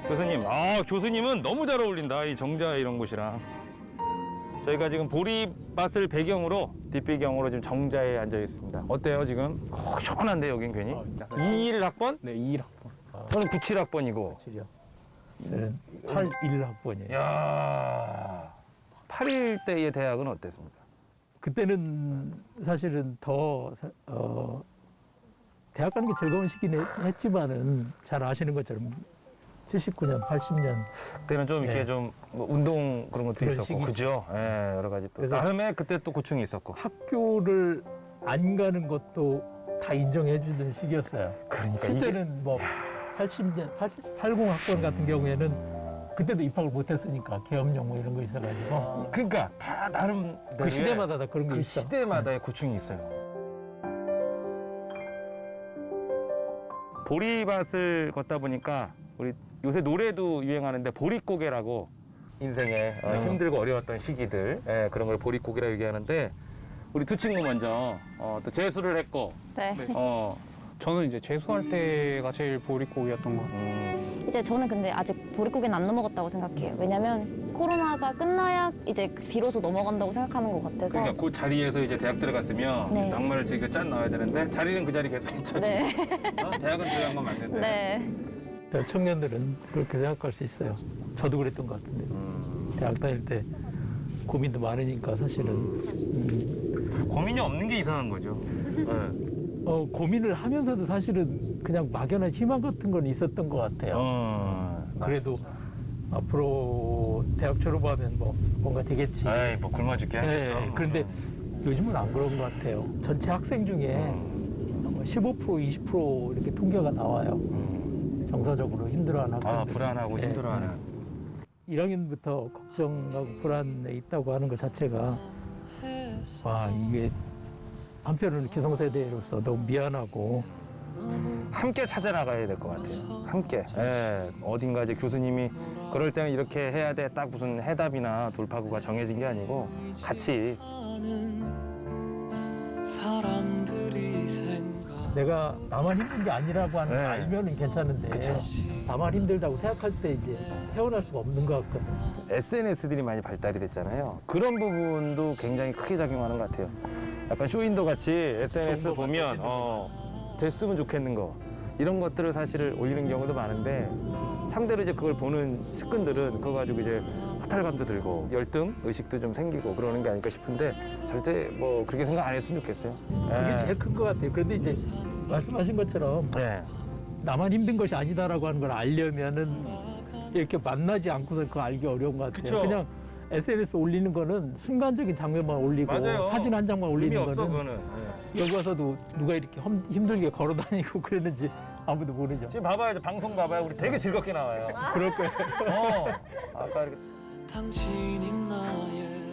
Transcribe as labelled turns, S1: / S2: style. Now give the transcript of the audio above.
S1: 교수님, 교수님은 너무 잘 어울린다. 이 정자 이런 곳이랑. 저희가 지금 보리밭을 배경으로, 뒷배경으로 지금 정자에 앉아 있습니다. 어때요, 지금? 시원한데, 여긴 괜히? 21학번?
S2: 네, 21학번.
S1: 저는 97학번이고.
S2: 7이요. 저는 81학번이에요.
S1: 이야. 8일 때의 대학은 어땠습니까?
S2: 그때는 사실은 대학 가는 게 즐거운 시기는 했지만은 잘 아시는 것처럼 79년, 80년.
S1: 그때는 좀 이렇게
S2: 네.
S1: 좀 뭐 운동 그런 것도
S2: 그런
S1: 있었고,
S2: 시기.
S1: 그죠? 예, 여러 가지 또.
S2: 그래서
S1: 나름의 그때 또 고충이 있었고.
S2: 학교를 안 가는 것도 다 인정해 주는 시기였어요.
S1: 그러니까
S2: 실제는 뭐 80년, 80학번 같은 경우에는 그때도 입학을 못 했으니까 계엄령 뭐 이런 거 있어가지고
S1: 그러니까 다 나름
S2: 그 시대마다 다 그런 게
S1: 그
S2: 있어.
S1: 시대마다의 고충이 있어요. 보리밭을 걷다 보니까 우리 요새 노래도 유행하는데 보릿고개라고 인생에 힘들고 어려웠던 시기들 그런 걸 보릿고개라고 얘기하는데 우리 두 친구 먼저 또 재수를 했고
S3: 네.
S4: 저는 이제 재수할 때가 제일 보릿고기였던 것 같아요.
S3: 이제 저는 근데 아직 보릿고개는 안 넘어갔다고 생각해요. 왜냐면 코로나가 끝나야 이제 비로소 넘어간다고 생각하는 것 같아서.
S1: 그러니까 그 자리에서 이제 대학 들어갔으면
S3: 네.
S1: 낭만을 즐겨 짠 나와야 되는데 자리는 그 자리 계속 있죠.
S3: 네.
S1: 대학은 들어간 건 맞는데.
S3: 네.
S2: 청년들은 그렇게 생각할 수 있어요. 저도 그랬던 것 같은데 대학 다닐 때 고민도 많으니까 사실은
S1: 고민이 없는 게 이상한 거죠. 네.
S2: 고민을 하면서도 사실은 그냥 막연한 희망 같은 건 있었던 것 같아요. 그래도 앞으로 대학 졸업하면 뭐 뭔가 되겠지.
S1: 에이, 뭐 굶어 죽게 하겠어.
S2: 네, 그런데 요즘은 안 그런 것 같아요. 전체 학생 중에 15%, 20% 이렇게 통계가 나와요. 정서적으로 힘들어하는 학생들.
S1: 불안하고
S2: 네.
S1: 힘들어하는.
S2: 1학년부터 걱정하고 불안에 있다고 하는 것 자체가 와 이게 한편으로는 기성세대로서 너무 미안하고
S1: 함께 찾아나가야 될 것 같아요. 함께. 예, 어딘가 이제 교수님이 그럴 때는 이렇게 해야 돼. 딱 무슨 해답이나 돌파구가 정해진 게 아니고 같이.
S2: 내가 나만 힘든 게 아니라고 하는 걸
S1: 네.
S2: 알면은 괜찮은데
S1: 그쵸.
S2: 나만 힘들다고 생각할 때 이제 헤어날 수가 없는 것 같거든.
S1: SNS들이 많이 발달이 됐잖아요. 그런 부분도 굉장히 크게 작용하는 것 같아요. 약간 쇼윈도 같이 SNS
S2: 좋은 거
S1: 보면 됐으면 좋겠는 거 이런 것들을 사실 올리는 경우도 많은데 상대로 이제 그걸 보는 측근들은 그거 가지고 이제 허탈감도 들고 열등 의식도 좀 생기고 그러는 게 아닐까 싶은데 절대 뭐 그렇게 생각 안 했으면 좋겠어요.
S2: 그게 제일 큰 것 같아요. 그런데 이제 말씀하신 것처럼
S1: 네.
S2: 나만 힘든 것이 아니다라고 하는 걸 알려면은 이렇게 만나지 않고서 그거 알기 어려운 것 같아요.
S1: 그쵸.
S2: 그냥 SNS 올리는 거는 순간적인 장면만 올리고
S1: 맞아요.
S2: 사진 한 장만 올리는
S1: 의미 없어
S2: 거는
S1: 그거는.
S2: 여기 와서도 누가 이렇게 힘들게 걸어 다니고 그랬는지 아무도 모르죠.
S1: 지금 봐봐요. 방송 봐봐요. 우리 되게 즐겁게 나와요.
S2: 그럴 거예요.
S1: 아까 이렇게
S5: 당신이 나의